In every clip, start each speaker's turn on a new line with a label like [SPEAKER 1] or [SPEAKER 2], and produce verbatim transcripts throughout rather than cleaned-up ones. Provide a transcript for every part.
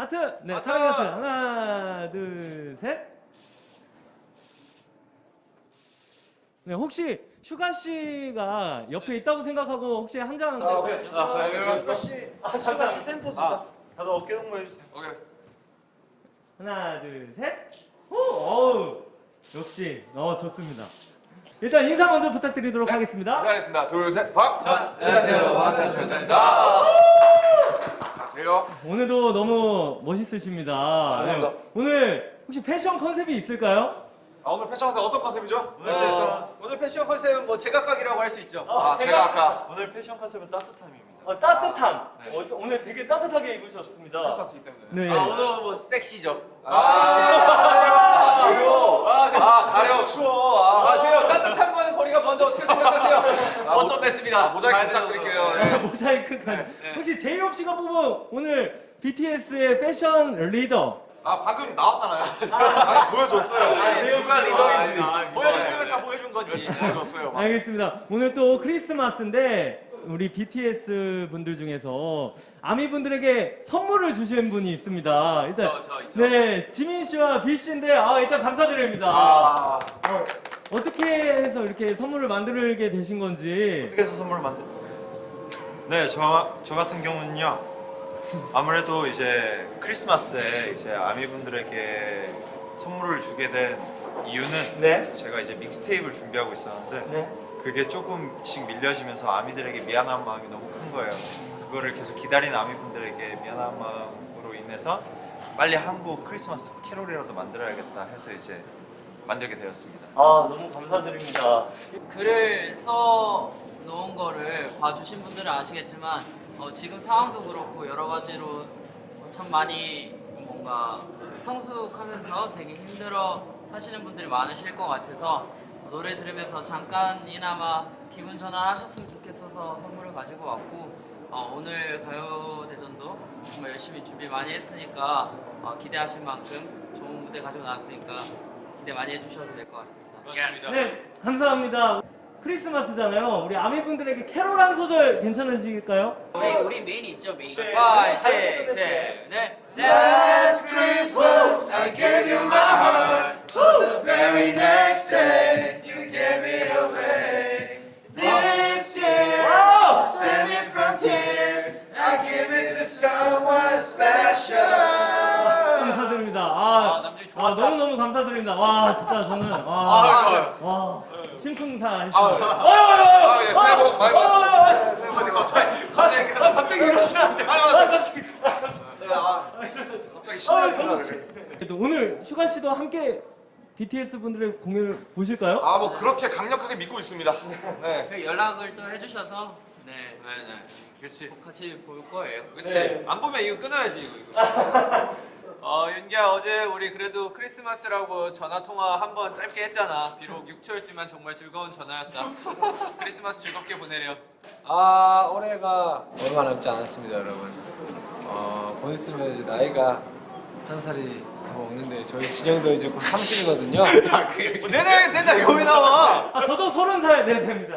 [SPEAKER 1] 하트. 네,
[SPEAKER 2] 하트.
[SPEAKER 1] 사랑의 하트. 하나, 둘, 셋. 네, 혹시 슈가 씨가 옆에 있다고 생각하고 혹시 한 장.
[SPEAKER 2] 아, 오케이. 아,
[SPEAKER 3] 슈가 씨, 슈가 씨 센터 주자.
[SPEAKER 2] 아.
[SPEAKER 3] 다들 어깨 동무 해주세요.
[SPEAKER 2] 오케이.
[SPEAKER 1] 하나, 둘, 셋. 오, 어우, 역시, 어 좋습니다. 일단 인사 먼저 부탁드리도록
[SPEAKER 2] 네,
[SPEAKER 1] 하겠습니다.
[SPEAKER 2] 인사하겠습니다. 둘, 셋, 박.
[SPEAKER 3] 자, 안녕하세요. 마태스입니다.
[SPEAKER 2] 안녕하세요.
[SPEAKER 1] 오늘도 너무 멋있으십니다.
[SPEAKER 2] 감사합니다.
[SPEAKER 1] 네, 오늘 혹시 패션 컨셉이 있을까요?
[SPEAKER 2] 아, 오늘 패션 컨셉 어떤 컨셉이죠?
[SPEAKER 3] 오늘 패션,
[SPEAKER 4] 오늘 패션 컨셉은 뭐 제각각이라고 할 수 있죠.
[SPEAKER 2] 아, 제가 아까
[SPEAKER 3] 오늘 패션 컨셉은 따뜻함입니다.
[SPEAKER 1] 어, 따뜻함.
[SPEAKER 3] 네.
[SPEAKER 1] 어, 오늘 되게 따뜻하게 입으셨습니다.
[SPEAKER 2] 크리스마스이기 때문에.
[SPEAKER 1] 네.
[SPEAKER 4] 아 오늘 뭐 섹시죠.
[SPEAKER 2] 아, 지금.
[SPEAKER 4] 아, 제-
[SPEAKER 2] 아, 가려 추워. 아,
[SPEAKER 4] 아 제가 따뜻한 거는 거리가 먼데 어떻게 생각하세요?
[SPEAKER 2] 아,
[SPEAKER 4] 어쩜
[SPEAKER 2] 모자-
[SPEAKER 4] 됐습니다.
[SPEAKER 2] 아, 모자이크 부탁드릴게요. 예.
[SPEAKER 1] 모자이크까지.
[SPEAKER 4] 네.
[SPEAKER 1] 혹시 제이홉 씨가 뽑은 오늘 비티에스의 패션 리더.
[SPEAKER 2] 아, 방금 나왔잖아요. 아, 보여줬어요. 누가 리더인지.
[SPEAKER 4] 보여줬으면 다 보여준 거지.
[SPEAKER 2] 보여줬어요. 막.
[SPEAKER 1] 알겠습니다. 오늘 또 크리스마스인데 우리 비티에스 분들 중에서 아미 분들에게 선물을 주신 분이 있습니다. 일단
[SPEAKER 4] 저, 저 있죠.
[SPEAKER 1] 네, 지민 씨와 빌 씨인데 아, 일단 감사드립니다.
[SPEAKER 2] 아,
[SPEAKER 1] 어, 어떻게 해서 이렇게 선물을 만들게 되신 건지.
[SPEAKER 3] 어떻게 해서 선물을 만든? 네, 저, 저 같은 경우는요. 아무래도 이제 크리스마스에 이제 아미분들에게 선물을 주게 된 이유는
[SPEAKER 1] 네.
[SPEAKER 3] 제가 이제 믹스테이프를 준비하고 있었는데
[SPEAKER 1] 네.
[SPEAKER 3] 그게 조금씩 밀려지면서 아미들에게 미안한 마음이 너무 큰 거예요. 그거를 계속 기다린 아미분들에게 미안한 마음으로 인해서 빨리 한국 크리스마스 캐롤이라도 만들어야겠다 해서 이제 만들게 되었습니다.
[SPEAKER 1] 아, 너무 감사드립니다.
[SPEAKER 5] 글을 써 놓은 거를 봐주신 분들은 아시겠지만 어, 지금 상황도 그렇고 여러 가지로 참 많이 뭔가 성숙하면서 되게 힘들어 하시는 분들이 많으실 것 같아서 노래 들으면서 잠깐이나마 기분 전환하셨으면 좋겠어서 선물을 가지고 왔고 어, 오늘 가요대전도 정말 열심히 준비 많이 했으니까 어, 기대하신 만큼 좋은 무대 가지고 나왔으니까 기대 많이 해주셔도 될 것 같습니다.
[SPEAKER 1] 네, 감사합니다. 크리스마스잖아요. 우리 아미 분들에게 캐롤 한 소절 괜찮으실까요?
[SPEAKER 5] 우리 우리 메인 있죠 메인.
[SPEAKER 1] 네.
[SPEAKER 5] 파, 육, 칠, 넷.
[SPEAKER 3] Last Christmas I gave you my heart. The very next day you gave it away. This year
[SPEAKER 1] 와우!
[SPEAKER 3] save me from tears. I give it to someone special.
[SPEAKER 1] 감사드립니다.
[SPEAKER 4] 아,
[SPEAKER 1] 아,
[SPEAKER 4] 남준이
[SPEAKER 1] 아
[SPEAKER 4] 좋았다.
[SPEAKER 1] 너무 너무 감사드립니다. 와, 진짜 저는
[SPEAKER 2] 아,
[SPEAKER 1] 와,
[SPEAKER 2] 아,
[SPEAKER 1] 와, 심쿵사
[SPEAKER 2] 아,
[SPEAKER 1] 했습니다.
[SPEAKER 2] 아, 예, 새해 복 많이 받으세요. 네, 새해 복 많이 받으세요.
[SPEAKER 4] 갑자기
[SPEAKER 1] 아, 갑자기 이러시면 안 돼.
[SPEAKER 2] 아,
[SPEAKER 1] 아, 갑자기.
[SPEAKER 2] 네, 아, 갑자기 신나는
[SPEAKER 1] 아, 정말.
[SPEAKER 2] 인사를.
[SPEAKER 1] 또 오늘 슈가 씨도 함께 비티에스 분들의 공연을 보실까요?
[SPEAKER 2] 아, 뭐 그렇게 강력하게 믿고 있습니다. 네.
[SPEAKER 5] 그 연락을 또 해주셔서 네
[SPEAKER 4] 네네. 그렇지.
[SPEAKER 5] 꼭 같이 볼 거예요.
[SPEAKER 4] 그렇지.
[SPEAKER 1] 네.
[SPEAKER 4] 안 보면 이거 끊어야지 이거. 이거. 어 윤기야 어제 우리 그래도 크리스마스라고 전화 통화 한 번 짧게 했잖아. 비록 육 초였지만 정말 즐거운 전화였다. 크리스마스 즐겁게 보내렴.
[SPEAKER 6] 아 올해가 얼마 남지 않았습니다 여러분. 어, 곧 있으면 이제 나이가 한 살이 더 먹는데 저희 진영도 이제 곧 삼십이거든요.
[SPEAKER 4] 어, 내내 내나 이거 왜 나와?
[SPEAKER 1] 아, 저도 서른 살 네, 됩니다.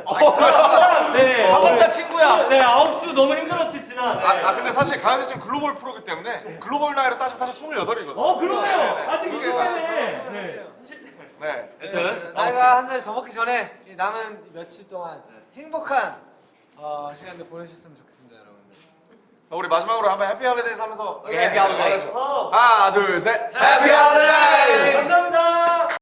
[SPEAKER 1] 네.
[SPEAKER 4] 반갑다 친구야.
[SPEAKER 1] 네, 아홉 수 너무 힘들었지, 지난. 네.
[SPEAKER 2] 아, 아 근데 사실 가요대 지금 글로벌 프로기 때문에 글로벌 나이로 따지면 사실 스물여덟이거든요.
[SPEAKER 1] 어, 그러네요.
[SPEAKER 2] 네, 네.
[SPEAKER 1] 아직
[SPEAKER 2] 그게
[SPEAKER 1] 이십 대네.
[SPEAKER 2] 맞아요.
[SPEAKER 1] 네.
[SPEAKER 2] 네.
[SPEAKER 4] 여튼
[SPEAKER 6] 나이가 한 살 더 먹기 전에 이 남은 며칠 동안 행복한 어, 시간들 보내셨으면 좋겠습니다 여러분들.
[SPEAKER 2] 우리 마지막으로 한번 해피 할리데이즈 하면서
[SPEAKER 4] 오케이, 해피 할리데이.
[SPEAKER 1] 어,
[SPEAKER 2] 하나, 둘, 셋. 해피 할리데이즈!
[SPEAKER 1] 감사합니다.